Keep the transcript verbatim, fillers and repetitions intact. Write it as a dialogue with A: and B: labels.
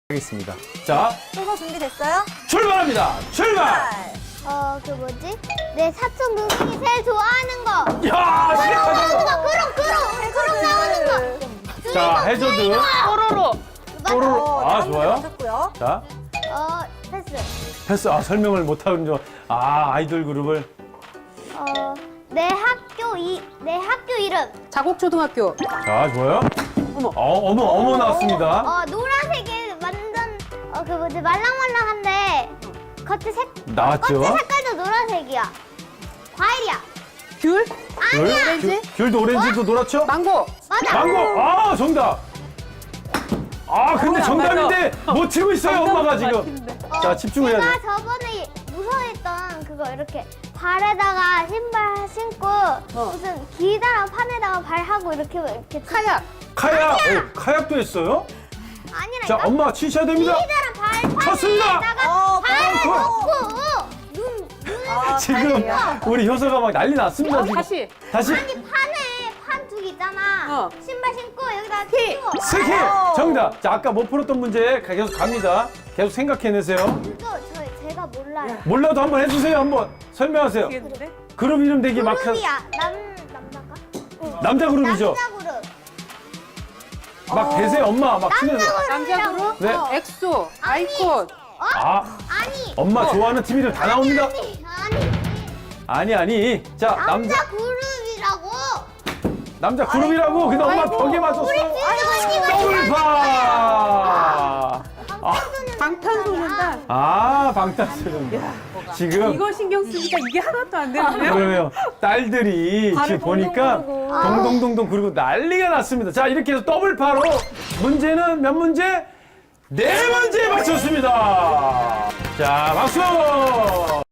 A: 하겠습니다. 자,
B: 순서 준비됐어요?
A: 출발합니다. 출발!
C: 어, 그 뭐지? 내 사촌 동생이 제일 좋아하는 거.
A: 야,
C: 그럼
A: 시작하자.
C: 나오는 거, 그럼, 그럼, 그럼 나오는 거.
A: 자, 해저드.
D: 뽀로로.
A: 뽀로로.
B: 어,
A: 아,
B: 다음
A: 좋아요.
B: 문제 맞췄고요.
A: 자,
C: 어, 패스.
A: 패스. 아, 설명을 못하는 줄. 아, 아이돌 그룹을.
C: 어, 내 학교 이, 내 학교 이름.
D: 자곡초등학교.
A: 자, 좋아요.
D: 어머.
A: 어, 어머, 어머 나왔습니다.
C: 어, 노란색이 완전, 어, 그 뭐지? 말랑말랑한데, 겉에 색,
A: 나왔죠?
C: 겉에 색깔도 노란색이야. 과일이야.
D: 귤.
A: 귤?
D: 오렌지?
A: 귤, 귤도 오렌지도 노랗죠?
D: 망고.
C: 맞아.
A: 망고! 아, 정답! 아, 근데
D: 맞아,
A: 정답인데 못 치고 있어요, 엄마가 지금.
D: 맞히는데.
C: 어,
A: 자, 집중해야
C: 제가
A: 돼.
C: 저번에 무서워했던 그거 이렇게 발에다가 신발 신고 무슨 기다란 판에다가 발하고 이렇게 이렇게
D: 카약.
A: 카약! 오, 카약도 했어요?
C: 아니라
A: 자, 엄마 치셔야 됩니다.
C: 기다란 발
A: 쳤습니다.
C: 판에다가
B: 어,
C: 발을
A: 어,
C: 놓고 눈 눈을
B: 아,
A: 지금
B: 다행이에요.
A: 우리 효서가 막 난리 났습니다.
D: 어,
A: 지금.
D: 다시.
A: 다시.
C: 아니 판에 판 두 개 있잖아.
D: 어.
C: 신발 신고 여기다가
D: 키.
C: 끼워.
A: 스키!
B: 아.
A: 정답! 자, 아까 못 풀었던 문제 계속 갑니다. 계속 생각해내세요.
C: 이거 저 제가 몰라요.
A: 몰라도 한번 해주세요, 한번. 설명하세요.
D: 모르겠는데?
A: 그룹 이름 되게 막. 하-
C: 그룹이야. 남 남자가? 응.
A: 남자 그룹이죠?
C: 남자 그룹.
A: 막 대세요, 엄마. 막 치면서.
D: 남자 그룹?
A: 네.
C: 어.
D: 엑소. 아이콘.
A: 아,
C: 아니.
A: 엄마
D: 어.
A: 좋아하는 팀 이름 다 나옵니다.
C: 아니 아니.
A: 아니, 아니. 자,
C: 남자
A: 남자,
C: 그룹이라고.
A: 남자 그룹이라고. 근데 엄마
D: 아이고.
A: 벽에 맞췄어.
C: 우리 진정언니가
A: 더블파! 아,
D: 방탄소년단.
A: 아, 방탄소년단. 지금.
D: 이거 신경 쓰니까 이게 하나도 안 되는데요?
A: 그러네요. 딸들이 지금
D: 발을
A: 보니까
D: 동동 구르고.
A: 동동동동 그리고 난리가 났습니다. 자, 이렇게 해서 더블파로 문제는 몇 문제? 네 문제 맞췄습니다. 자, 박수!